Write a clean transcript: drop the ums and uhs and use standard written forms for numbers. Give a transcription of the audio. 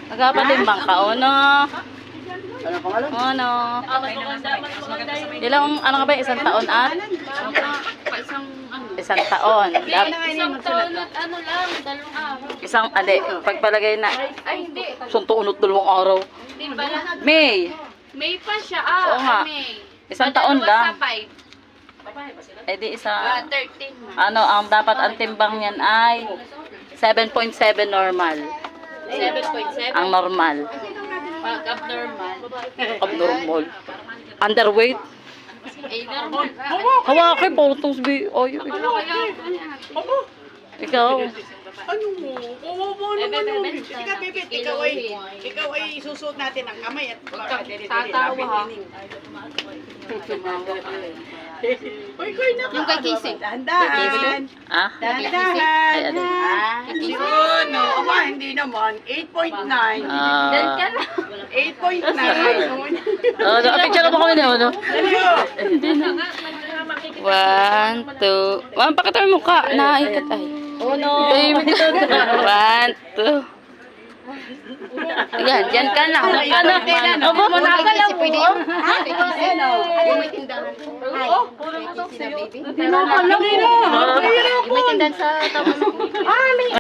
Nagpapatimbang ka, ono. Ano pangalan? Ono. Ilang, ano ka ba, isang taon at? Isang taon. Isang taon at ano lang, 2 araw. Isang, pagpalagay na, Ay, hindi. isang taon at 2 araw. Hindi pala. May. May pa siya. Oo nga. May. Isang taon Dalawa lang. sa 5. Di isa, 13 na. ano, ang dapat ang timbang niyan ay 7.7 normal. 7.7. Ang normal. Pag abnormal. Abnormal. Underweight. Normal. Hawakin po itong sabi. Ay, ikaw. Ano mo? Kawawa naman yun. Ika, Bibit, ikaw ay isusuot natin ang kamay at Tatawa ha. Uy, koy na Yung kay Kising. Dahan-dahan. Ah? Dahan-dahan. Ay, ano? Yun, no. Aba, hindi naman. 8.9. Dan ka lang. 8.9. Oh, picture mo kami na, ano? Ano? 1, 2. Pakita mo mukha. Naikat ay. Oh no. 1, 2. Yan, dyan ka na. Dyan ka na. Aba, Nakakalaw mo. May tindahan. Hindi na. May tindahan sa tama.